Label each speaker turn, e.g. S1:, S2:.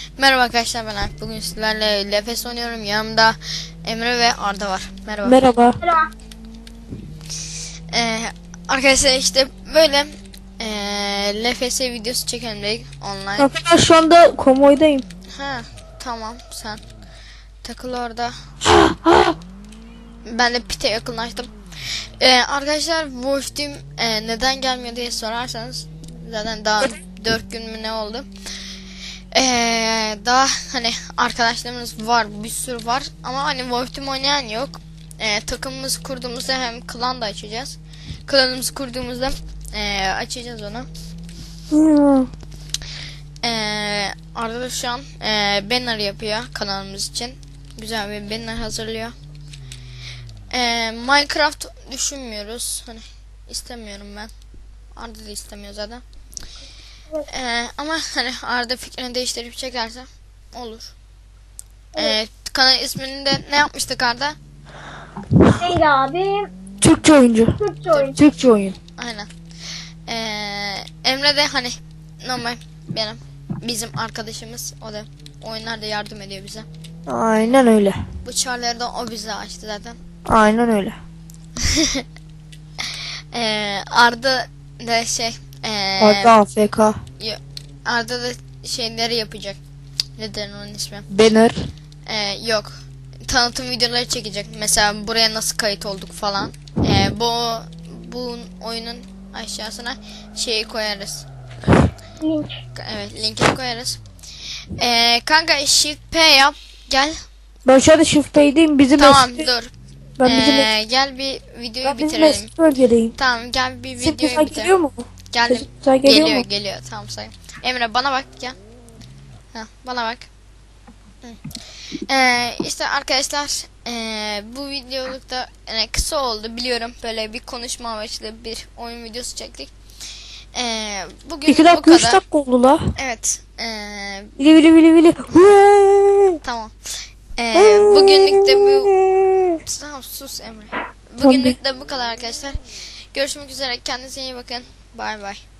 S1: Merhaba arkadaşlar, ben Alp. Bugün sizlerle LFS oynuyorum. Yanımda Emre ve Arda var. Merhaba.
S2: Merhaba.
S1: Arkadaşlar işte böyle LFS videosu çekelim dedik online.
S2: Arkadaşlar şu anda konvoydayım.
S1: Ha tamam, sen takıl orada. Ben de pite yakınlaştım. Arkadaşlar Wolf Team neden gelmiyor diye sorarsanız, zaten daha 4 gün mü ne oldu? Daha hani arkadaşlarımız var, bir sürü var ama hani Wolf Team oynayan yok. Takımımızı kurduğumuzda hem klan da açacağız. Klanımızı kurduğumuzda açacağız onu. Arda da şu an banner yapıyor kanalımız için. Güzel bir banner hazırlıyor. Minecraft düşünmüyoruz. Hani istemiyorum ben. Arda da istemiyor zaten. Ama hani Arda fikrini değiştirip çekerse olur. Kanal ismini de ne yapmıştık Arda?
S3: Neydi abi?
S2: Türkçe oyuncu.
S3: Türkçe oyun.
S2: Türkçe oyun.
S1: Aynen. Emre de hani normal bizim arkadaşımız, o da oyunlarda yardım ediyor bize.
S2: Aynen öyle.
S1: Bu çarları da o bize açtı zaten.
S2: Aynen öyle.
S1: Arda da
S2: Arda AFK.
S1: Arda da şeyleri yapacak. Nedir onun ismi?
S2: Banner.
S1: Yok. Tanıtım videoları çekecek. Mesela buraya nasıl kayıt olduk falan. Bu oyunun aşağısına şeyi koyarız.
S3: Link.
S1: Evet, linkini koyarız. Kanka Shift P yap. Gel.
S2: Ben şu anda Shift Pay'deyim. Bizim
S1: Tamam
S2: eski-
S1: dur.
S2: Ben bizim,
S1: Gel bir videoyu
S2: ben bizim
S1: bitirelim.
S2: eski bölgedeyim.
S1: Tamam, gel bir
S2: Sesim
S1: videoyu
S2: güzel
S1: bitirelim.
S2: geliyor mu?
S1: Geldim.
S2: Sesim güzel geliyor mu?
S1: Geliyor. Tamam, say. Emre bana bak, gel. Bana bak. İşte arkadaşlar, bu videolukta kısa oldu biliyorum, böyle bir konuşma amaçlı bir oyun videosu çektik. Bugün
S2: 2
S1: bu
S2: dakika 3
S1: kadar.
S2: dakika oldu la.
S1: Evet.
S2: Vili vili vili vili. Hıı.
S1: Tamam. Bugünlük de bu. Tamam, sus Emre. Bugünlük de bu kadar arkadaşlar. Görüşmek üzere. Kendinize iyi bakın. Bay bay.